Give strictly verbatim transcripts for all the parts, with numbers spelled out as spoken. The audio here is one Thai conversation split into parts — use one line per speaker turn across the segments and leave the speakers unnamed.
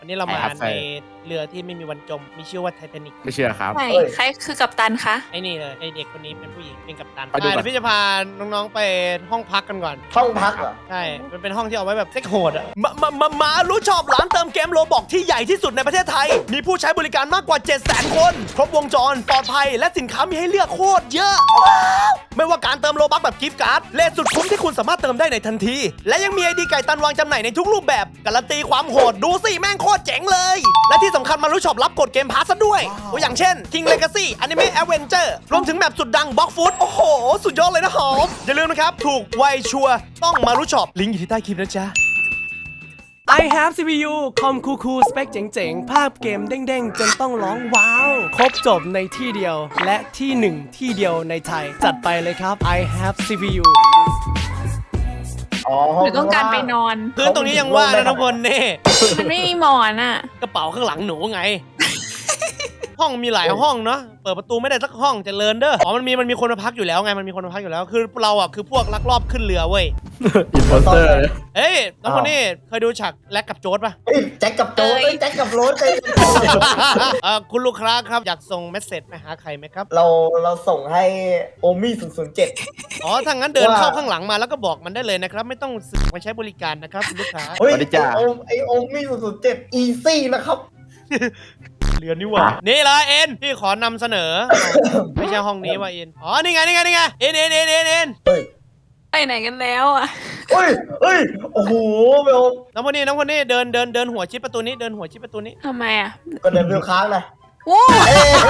วันนี้เรามาในเรือที่ไม่มีวันจมมีชื่อว่าไททานิก
ไม่เชื่อครับ
ใช่ใครคือกัปตันคะ
ไอ้นี่เลยไอ้เด็กคนนี้เป็นผู้หญิงเป็นกัปตัน
ไปดูก่อน
เดี๋ยวพี่จะพาน้องๆไปห้องพักกันก่อน
ห้องพักเหรอ
ใช่มันเป็นห้องที่เอาไว้แบบเซ็กโหดอะ
มามามามารู้ชอบร้านเติมเกมโลบอกที่ใหญ่ที่สุดในประเทศไทย มีผู้ใช้บริการมากกว่า เจ็ดแสน คน ครบวงจร ปลอดภัย และสินค้ามีให้เลือกโคตรเยอะว้าวไม่ว่าการเติมโลบัคแบบกิฟต์การ์ด เลทสุดคุ้มที่คุณสามารถเติมได้ในทันที และยังมีไอดีไก่ตันวางจำหน่ายในทุกรูปแบบ การันตีความโหด ดูสิแม่งโคตรเจ๋งเลย และที่สำคัญมารู้ชอบรับกดเกมพาสซะด้วยตัวอย่างเช่น King Legacy Anime Adventure รวมถึงแมปสุดดัง Block Food โอ้โห สุดยอดเลยนะหอมอย่าลืมนะครับถูกไวชัวร์ต้องมารู้ชอบลิงก์อยู่ที่ใต้คลิปนะจ๊ะI have ซี พี ยู คอมคูคูสเปคเจ๋งๆ ภาพเกมเด้งๆ จนต้องร้องว้าว ครบจบในที่เดียว และที่หนึ่งที่เดียวในไทย จัดไปเลยครับ I have ซี พี ยู
อ๋อ
หรือต้องการไปนอน
พื้นตรงนี้ยังว่างนะน้องพลนี่
มันไม่มีหมอนอ่ะ
กระเป๋าข้างหลังหนูไง ห้องมีหลายห้องเนาะเปิดประตูไม่ได้สักห้องเจะเลินเด้ออ๋อมันมีมันมีคนมาพักอยู่แล้วไงมันมีคนมาพักอยู่แล้วคือเราอ่ะคือพวกลักลอบขึ้นเรือเว้ย
อินโพสเตอร์
เอ้ยน้องคนนี้เคยดูฉากแลกกับโจ๊ดป่ะ
เฮ้ยแจ็คกับโจ้
เอ้ย
เอ้ยแจ็คกับโรสเลย
เออคุณลูกค้าครับอยากส่งเมสเซจไปหาใครไหมครับ
เราเราส่งให้โอมี่ศูนย์ศูนย์เจ็ด
อ๋อถ้างั้นเดิน
ว่า
เข้าข้างหลังมาแล้วก็บอกมันได้เลยนะครับไม่ต้องสึกมาใช้บริการนะครับคุณลูกค้า
เฮ้ย
สวัสดีจ้า
ไอโอมไอโอมี่ศูนย์ศูนย์เจ็ดอีซี่นะครับ
เรือนนี่หว่านี่เลยเอ็นพี่ขอนำเสนอ ไม่ใช่ห้องนี้ว่ะเอ็นอ๋อนี่ไงนี่ไงนี่ไงเอ็นเอ็นเอ็นเอ็นเอ็น
เฮ้ย
ไปไหนกันแล้วอ่ะ
เฮ้ยเฮ้ยโอ้โหเบล
น้องคนนี้น้องคนนี้เดินเดินเดินหัวชิดประตูนี้เดินหัวชิดประตูนี้
ทำไมอ่ะ
ก็เดินเบลค้างนะ
โว้ย
เอ้ย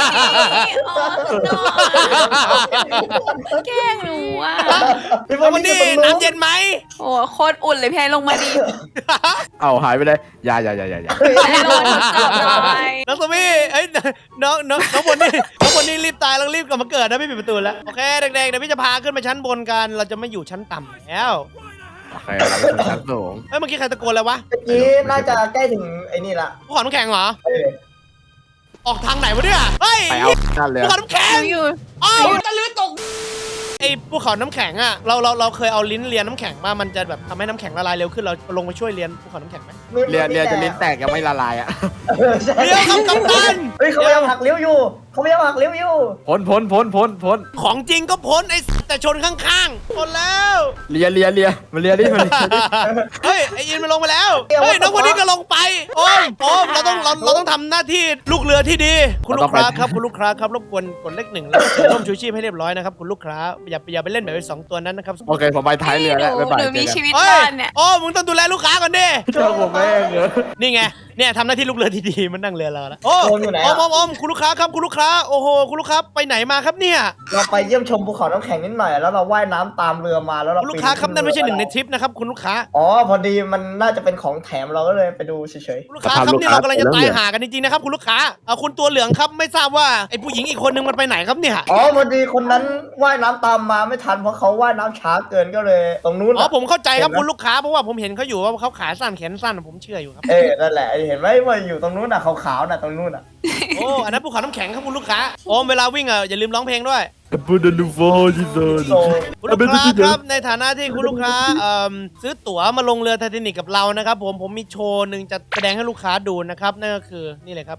แกล้งหนูอ่ะ
พี่บ
น้
อ
อง
ล
คนนี้
อยู่ตรง
น้ำเย็นไหม
โอ้โคตรอุ่นเลยพี่ไอ้ลงมาดิ
เอาหายไปเลยอย่าอย่าอย่าอย่าอย่า
ไอ้ลงมาจับหน่อย
น้องสมี่เอ้ยน้องน้องน้องคนนี้น้องคนนี้รีบตายแล้วรีบกลับมาเกิดนะไม่ปิดประตูแล้วโอเคเด็กๆเดี๋ยวพี่จะพาขึ้นไปชั้นบนกันเราจะไม่อยู่ชั้นต่ำแล้ว
โอเคเราเป็นชั้นสูง
เอ้ยเมื่อกี้ใครตะโกนแล้ววะ
เมื่อกี้น่าจะใกล้ถึงไอ้นี่ละ
ภูเขาน้ำแข็งเหรอ
เออ
ออกทางไหนวะเนี่ยเฮ้ย
ไปเอานั่นเลย
ภูเขาน้ำแข็
ห
ง
นูอยู่
อ้าวตะลือตกไอ้ภูเขาน้ำแข็งอ่ะเราเราเราเคยเอาลิ้นเลียนน้ำแข็งมามันจะแบบทำให้น้ำแข็งละลายเร็วขึ้นเราลงไปช่วยเลียนภูเขาน้ำแข็งไหม
เรียนเรียนจะลิ้นแตกยังไม่ละลายอ่ะ
เออใช่
เลี้ยวครับกัปตัน
เฮ้ยเขาพยายามหักเลี้ยวอยู่เขาพยายามหักเลี้ยวอยู่
พ้นพ้นพ้นพ้นพ้น
ของจริงก็พ้นไอ้แต่ชนข้างๆพ้นแล้ว
เลียเลียเลียมาเลียดิมาเลียดิ
เฮ้ยไอ้ยินมันลงไปแล้วเฮ้ยน้องคนนี้ก็ลงไปโอ้ยโอ้ยเราต้องเราเราต้องทำหน้าที่ลูกเรือที่ดี คุณลูกค้าครับคุณลูกค้าครับรบกวนกดเลขหนึ่งแล้วก็ใส่ร่มชูชีพให้เรียบร้อยนะครับคุณลูกค้าอย่าอย่าไปเล่นแบบไอ้สองตัวนั้นนะครับ
โอเคผมไปท้ายเรือแล้ว
หนู
บ๊ายบาย
หนูมี
เจอกัน
ชีวิต
เฮ้
ร
ย
อดเนี่ย
โอ้มึงต้องดูแลลูกค้าก่อนดิ
เจ้าผมแม่งเหรอ
นี่ไงเนี่ยทำหน้าที่ลูกเรือที่ดีมันนั่งเรือเราแล้วโอ้
โอมอยู่ไหน
อ
อะ
มอมอมคุณลูกค้าครับคุณลูกค้าโอ้โหคุณลูกค้าไปไหนมาครับเนี่ย
เราไปเยี่ยมชมภูเขาน้ำแข็งนิดหน่อยแล้วเราว่ายน้ำตามเรือมาแล้วเรา
คุณลูกค้าครับนั่นไม่ใช่หนึ่งในทริปนะครับคุณลูกค้า
อ๋อพอดีมันน่าจะเป็นของแถมเราก็เลยไปดูเฉย
คุณลูกค้าครับนี่เรากำลังจะตายหากันจริงๆนะครับคุณลูกค้าเอาคุณตัวเหลืองครับไม่ทราบว่าไอ้ผู้หญิงอีกคนนึงมันไปไหนครับเนี่ย
ๆอ๋อพอดีคนนั้นว่ายน้ำตามมาไม่ทันเพราะเขาว่ายน้ำช้าเกินก็เลย ตรงนู้น
อ๋อ
อะ
ผมเข้าใจครับ
เห็นไหม
คุณลูกค้าเพราะว่าผมเห็นเขาอยู่ว่าเขาขาสั้นแขนสั้นผมเชื่ออยู่ครับ
เออนั่นแหละเห็นไหมว่าอยู่ตรงนู้นน่ะขาวๆน่ะตรงนู้นน่ะ
โอ้อันนั้นภูเขาน้ำแข็งครับคุณลูกค้าโอมเวลาวิ่งอ่ะอย่าลืมร้องเพลงด้วย
พูดดูฟอจิโซน
โซ
คุณลูกค้าครับในฐานะที่คุณลูกค้าเอ่อซื้อตั๋วมาลงเรือไททานิกกับเรานะครับผมผมมีโชว์หนึ่งจะแสดงให้ลูกค้าดูนะครับนั่นก็คือนี่เลยครับ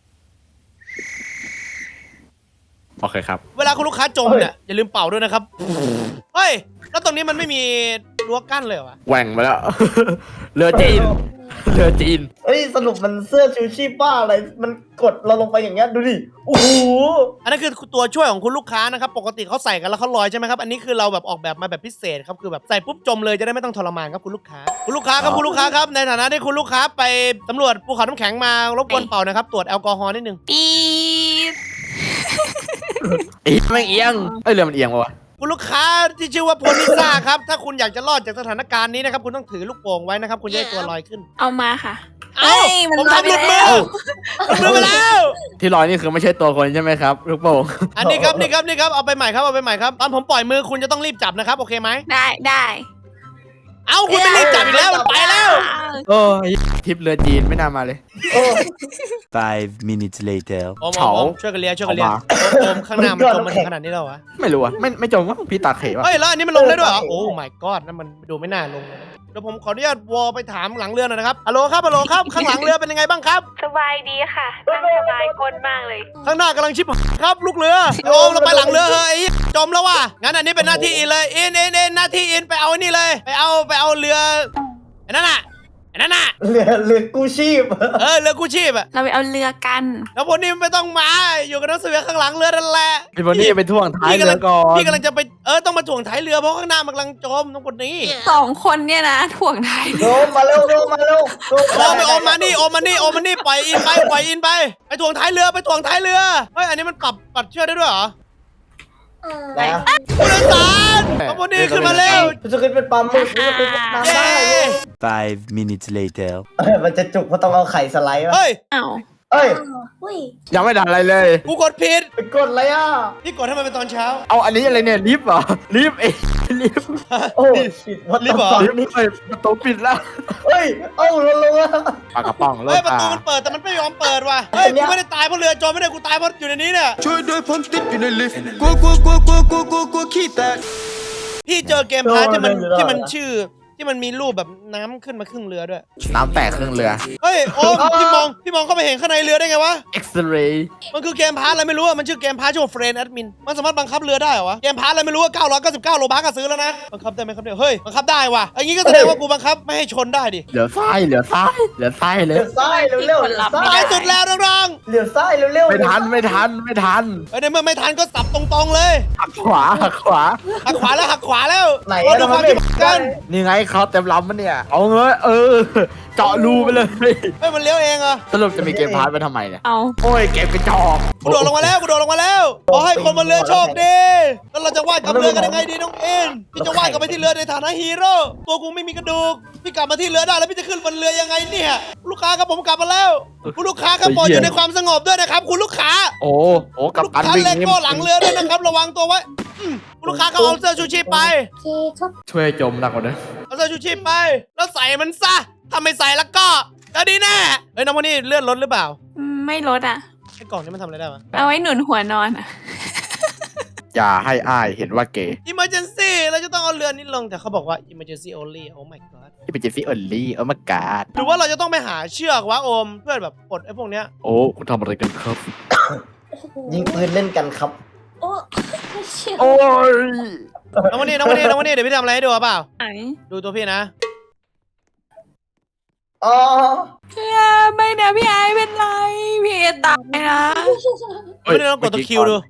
โอเคครับ
เวลาคุณลูกค้าจมเนี่ยอย่าลืมเป่าด้วยนะครับเฮ้ยแล้วตรงนี้มันไม่มีรั้วกั้นเลยเหรอวะ
แหว่งไปแล้ว เรือจีนเรือจีน
เอ้ยสรุปมันเสื้อชูชีพบ้าอะไรมันกดเราลงไปอย่างเงี้ยดูดิโอ้โห
อันนั้นคือตัวช่วยของคุณลูกค้านะครับปกติเขาใส่กันแล้วเขาลอยใช่ไหมครับอันนี้คือเราแบบออกแบบมาแบบพิเศษครับคือแบบใส่ปุ๊บจมเลยจะได้ไม่ต้องทรมานครับคุณลูกค้าคุณลูกค้าครับคุณลูกค้าครับในฐานะที่คุณลูกค้าไปสำรวจภูเขาน้ำแข็งมารบกวนเป่านะครับตรวจแอลกอฮอล์นิดนึง
ปี๊ด
อีแม่งเอียงเอ้ยเรือมันเอียงปะวะ
คุณลูกค้าที่ชื่อว่าโพนิซ่าครับถ้าคุณอยากจะรอดจากสถานการณ์นี้นะครับคุณต้องถือลูกโป่งไว้นะครับคุณจะได้ตัวลอยขึ้น
เอามาค่ะ
เอ้า
เอ้ยมัน
ผมทำหลุดมื
ล
อ
อยไปแล้ว
หลุดมือไปแล้ว
ที่ลอยนี่คือไม่ใช่ตัวคนใช่ไหมครับลูกโป่ง
อันนี้ครับนี่ครับนี่ครับเอาไปใหม่ครับเอาไปใหม่ครับตอนผมปล่อยมือคุณจะต้องรีบจับนะครับโอเคไหม
ได้ได้
เอ้าคุณไม่รีบจับอีกแล้วมันไปแล้ว
โอ้ยทริปเรือจีนไม่น่ามาเลย
โอ้
Five minutes later.
โอมโอ
เฉา
มโอมช่วยกันเลียช่วยกันเลีย
เอามา
โอมข้างหน้ามันจมมาถึงขนาดนี้แล้ววะ
ไม่รู้อ่ะไม่ไม่จมว่าพี่ตาเขวะ
เฮ้ยแล้วอันนี้มันลงได้ด้วยเหรอโอ้ my god นั่นมันดูไม่น่าลงเลยดี๋ยวผมขออนุญาตวอลไปถามหลังเรือหน่อยนะครับฮัลโหลครับฮัลโหลครับข้างหลังเรือเป็นยังไงบ้างครับ
สบายดีค่ะนั่งสบายก้นมากเลย
ข้างหน้ากำลังชิบครับลูกเรือโอมเราไปหลังเรือเฮ้ยจมแล้วว่ะงั้นอันนี้เป็นหน้าที่อินเลยอินอินอินหน้าที่อินไปเอาไอ้นี่เลยไปเอาไปเอาเรือไอ้นั่นน่ะไอ้นั่นน่ะ
เรือเรือกู้ชีพ
เออเรือกู้ชีพอะ
เราไปเอาเรือกัน
แล้วพวกนี้ไม่ต้องมาอยู่กับนักสืบข้างหลังเรือนั่นแหละ
พี่บอนี่ไปท่วงท้ายเรือก่อน
พี่กำลังจะไปเออต้องมาถ่วงท้ายเรือเพราะข้างหน้ามันกำลังจมต้องคนนี้
สองคนเนี่ยนะถ่วงท้าย
โดมมาเร็วโดมมาเร็วโดม
โอมไปโอมมานี่โอมมานี่โอมมานี่ปล่อยอินไปปล่อยอินไปไปถ่วงท้ายเรือไปถ่วงท้ายเรือเฮ้ยอันนี้มันปรับปรับเชือกได้ด้วยเหรอ
นะ
ผู้โดยสารเอาพวกนี้ขึ้นมาเร็ว
จะขึ้นเป็นปลาหมึกจะขึ้นเป็นน้ำได้
Five minutes later.
เอ้ยมันจะจุกเพราะต้องเอาไข่สไลด์มา
เฮ้ย
เอ้า
เอ้ย
ยังไม่ทันอะไรเลย
กูกดผิด
ไปกดอะไรอ่ะ
พี่กดให้มันเป็นตอนเช้า
เอาอันนี้อะไรเนี่ยลิฟต์เหรอลิฟต์เอ้ยลิฟต์
โอ้ชิดวัด
รีบเหรอ
ลิฟต์ไปประตูปิดแล้ว
เฮ้ยเอ้าลงลงอ่ะ
ปากกระป๋องโล
เฮ้ย
ก
ประ
อ่ะ
ตูมันเปิดแต่มันไม่ยอมเปิดว่ะเฮ้ย
อันเนี้
กู
ย
ไม่ได้ตายเพราะเรือจมไม่ได้กูตายเพราะอยู่ในนี้เนี่ย
ช่วยด้วยผมติดอยู่ในลิฟต์กลัวกลัวกลัวกลัวกลัวกลัวกลัวขี้แตก
พี่เจอเกมพาร์ทที่มันที่มันชื่อที่มันมีรูปแบบน้ำขึ้นมาครึ่งเรือด้วย
น้ำแตกครึ่งเรือ
เฮ้ยโอมพี่มองพี่มองเข้าไปเห็นข้างในเรือได้ไงวะ
เอ็กซเรย์
มันคือเกมพาร์ทอะไรไม่รู้อะมันชื่อเกมพาร์ทชื่อว่าเฟรนแอดมินมันสามารถบังคับเรือได้เหรอวะเกมพาร์ทอะไรไม่รู้ว่าเก้าร้อยเก้าสิบเก้าโลบาร์ก็ซื้อแล้วนะบังคับได้ไหมครับเนี่ยเฮ้ยบังคับได้ว่ะอย่างงี้ก็แสดงว่ากูบังคับไม่ให้ชนได้ดิ
เหลือซ้ายเหลือซ้ายเหลือซ้ายเล
เลี้
ย
ยวซ้ายเร็วเร็วเลี้ยวซ้า
ไป
ย
สุดแล้วน้อง
เลี้ยวซ้ายเร็วเร็ว
ไม่ทันไม่ทันไม่ทัน
ๆเฮ้ยในเมื่อไม่ทันก็สับตรงๆเลย
หักขวาหักขวา
หักขวาแล้วหักขวาแล้ว
ไหน
เรา
อะ
ดูความ
ทำไมไม่
ที่กัน
นี่ไงเขาเต็มลำมันเนี่ยเอาเงยเออเจาะรูไปเลย
เฮ้ยมันเลี้ยวเองเหรอ
สรุปจะมีเกมพาร์ทไปทำไมเนี่ย
เอา
โอ้ยเกมกระจอก
กูโดดลงมาแล้วกูโดดลงมาแล้วขอให้คนบนเรือโชคดีแล้วเราจะว่ายกลับเรือกันยังไงดีน้องเอ็นพี่จะว่ายกลับไปที่เรือในฐานะฮีโร่ตัวกูไม่มีกระดูกพี่กลับมาที่เรือได้แล้วพี่จะขึ้นบนเรือยังไงเนี่ยลูกค้าครับผมกลับมาแล้วคุณลูกค้าครับโปรดอยู่ในความสงบด้วยนะครับคุณลูกค้า
โอ้โอ้กับ
ลูก
การ
ค้า
วิ่ง
เล
นี่
โก้หลังเรือด้วยนะครับระวังตัวไว้อืมคุณลูกค้าก็เอาเสื้อชูชีพไป
ช่วยจมหนักกว่านั้น
เอาเสื้อชูชีพไป แล้วใส่มันซะถ้าไม่ใส่แล้วก็ก็ดีแน่เฮ้ยน้องวันนี้เลื่อนรถหรือเปล่า
อืมไม่ลดอ่ะ
ไอ้กล่องนี้มันทำอะไรได้วะ
เอาไว้หนุนหัวนอนอ่ะ
อย่าให้อ้ายเห็นว่าเกย์
emergency เราจะต้องเอาเรือนี้ลงแต่เขาบอกว่า emergency only oh my god
ที่เป็นเจสซี่เออร์ลี่เออมากาด
หรือว่าเราจะต้องไปหาเชือกวะโอมเพื่อแบบปลดไอ้พวกเนี้ย
โอ้คุณทำอะไรกันครับ
ยิงปืนเล่นกันครับ
โอ้ย
น้องวันนี้น้องวันนี้น้องวันนี้เดี๋ยวพี่ทำอะไรให้ดูเปล่า
ไหน
ดูตัวพี่นะ
อ๋อ
พี่ไอไม่นะพี่ไอเป็นไรพี่ไอตายนะ
ไม่ได้ต้องกดตัวคิวดู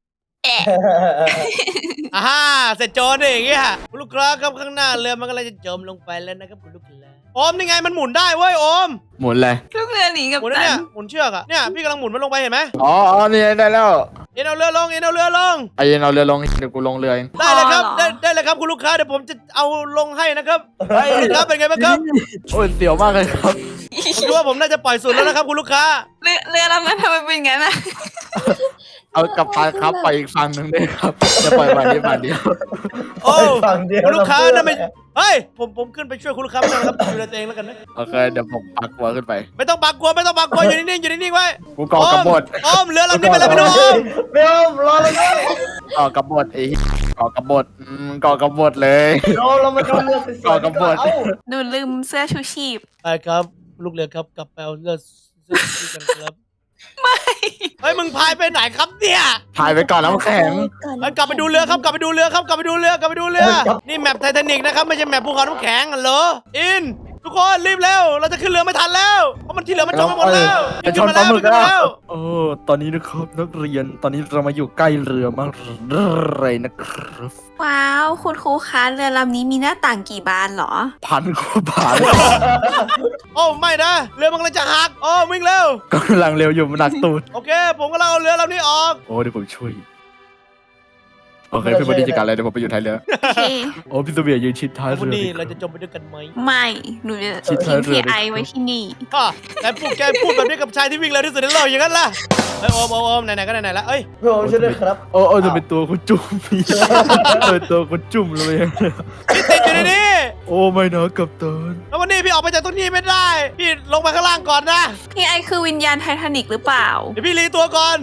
อ่าฮ่าเสร็จโจรดิอย่างเงี้ยคุณลูกค้าครับข้างหน้าเรือมันกำลังจะจมลงไปแล้วนะครับคุณลูกค้าโอมนี่ไงมันหมุนได้เว้ยโอม
หมุนเลย
ลูกเรือหนีกับ
หมุนนะ
ตั
เนี่ย
น
หมุนเชือกอะเนี่ยพี่กำลังหมุนมันลงไปเห็นไหม
อ๋ออ๋อนี่ได้แล้ว
เอ็นเอาเรือลงเอ็นเอาเรือลง
ไอ้เย็นเอาเรือลงเดี๋ยวกูลงเรือเอง
ได้เลยครับได้ได้เลยครับคุณลูกค้าเดี๋ยวผมจะเอาลงให้นะครับคุณลูกค้าเป็นไงบ้างครับ
โอ้ยเสียวมากเลยครับ
ผมคิดว่าผมน่าจะปล่อยสุดแล้วนะครับคุณลูกค้า
เรือเรือลำนั้นทำไมเป็นอย่างนั้นอ่ะ
เอากลับไปครับไปอีกฝั่งหนึ่งด้วยครับจะปล่อยมานี้มาเดียว
โอ้
ฝั่งเดียว
คุณลูกค้า
เพื่อ
นั่นไม่เฮ้ยผมผมขึ้นไปช่วยคุณลูกค้าไม่ได้นะครับดูแลตัวเองแล้วกันนะ
โอเคเดี๋ยวผมปักหัวขึ้นไป
ไม่ต้องบักกลัวไม่ต้องบักกลัวอยู่นิ่งๆอยู่นิ่งๆไว้
กูก่อกระบด
อ้อมเรือลำนี้ไปแล้วพี่น้องอ้อม
เบลรอเลยนะ
ก่อกระบดไอ้ก่อกระบดอืมก่อกระบดเลย
โดมเรามาดูเรือสวยๆ
ก่อกระบฏ
เอ้า
หนูลืมเสื้อชูชีพ
ไปครับลูกเรือครับกลับไปเอาเรือเสื้อที่กันครับไม่เฮ้ยมึงพายไปไหนครับเนี่ย
ถ่ายไปก่อนน้ำแข็ง
เฮ้ยกลับไปดูเรือครับกลับไปดูเรือครับกลับไปดูเรือกลับไปดูเรือ นี่แมปไททานิกนะครับไม่ใช่แมปภูเขาน้ำแข็งอ่ะเหรออินทุกคนรีบเร็วเราจะขึ้นเรือไม่ทันแล้วเพราะมันที่เหลือมันจมไปหมดแล้ว
จะชนปลาหมึก
ขึ้น
แล้ว
แล้ว
โอ้ตอนนี้นะครับนักเรียนตอนนี้เรามาอยู่ใกล้เรือมากเลยนะครับ
ว้าว คุณครูคะเรือลำนี้มีหน้าต่างกี่บานเหรอ
พันกว่าบาท
โอ้ไม่นะเรือมันกำลังจะหักโอ้วิ่งเร็ว
ก็กำลังเร็วอยู่มันหนักตูด
โอเค ผมกำลังเอาเรือลำนี้ออก
โอ้เดี๋ยวผมช่วยโอเคพี่บดีจัดการเลยเดี๋ยวผมไปอยู่ท้ายเรือ
โอเค
โอ้พี่ตัวเบียร์ยืนชิดท้าย
วัน
เรือ
นี้
ดิ
เราจะจมไปด้วยกันไหม
ไม่ หนูจะ
ชิดท้า
ทิ้
ย
ง
เรือ
พี่ไอ
เลย
ไว้ที่นี่
ก็แกพูดแกพูดแบบนี้กับชายที่วิ่งเร็วที่สุดในโลกอย่างนั้นล่ะเฮ้ยโอมโอมโอมไหนๆก็ไหนๆแล้วเอ้ย
โดมช่วยด้วยครับ
โอ้โอ้จะเป็นตัวคุณจุ่มพี่เป็นตัวคุณจุ่มเลย
พี่ติดอยู่ในนี้
โอ้ไม่นะกับตัน
แล้ววันนี้พี่ออกไปจากตรงนี้ไม่ได้ พี่ลงไปข้างล่างก่อนนะ
พี่ไอคือวิญญาณไททานิกหรือเปล่า
เดี๋ยวพี่รีตัวก่อน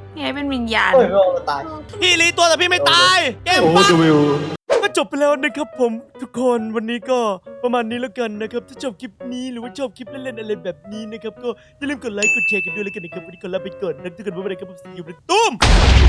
พี่ไอเป็นวิญญาณ
เฮ้ยไม่เอาตาย
พี่รีตัวแต่พี่ไม่ตายเกม
โอ้
ปั๊บ
วิว
ก็จบไปแล้วนะครับผมทุกคนวันนี้ก็ประมาณนี้แล้วกันนะครับถ้าชอบคลิปนี้หรือว่าชอบคลิปเล่นๆอะไรแบบนี้นะครับก็อย่าลืมกดไลค์กดแชร์กันด้วยแล้วกันนะครับวันนี้ขอลาไปก่อนนะทุกคนบ๊ายบายครับผมสีอยู่ในตุ้ม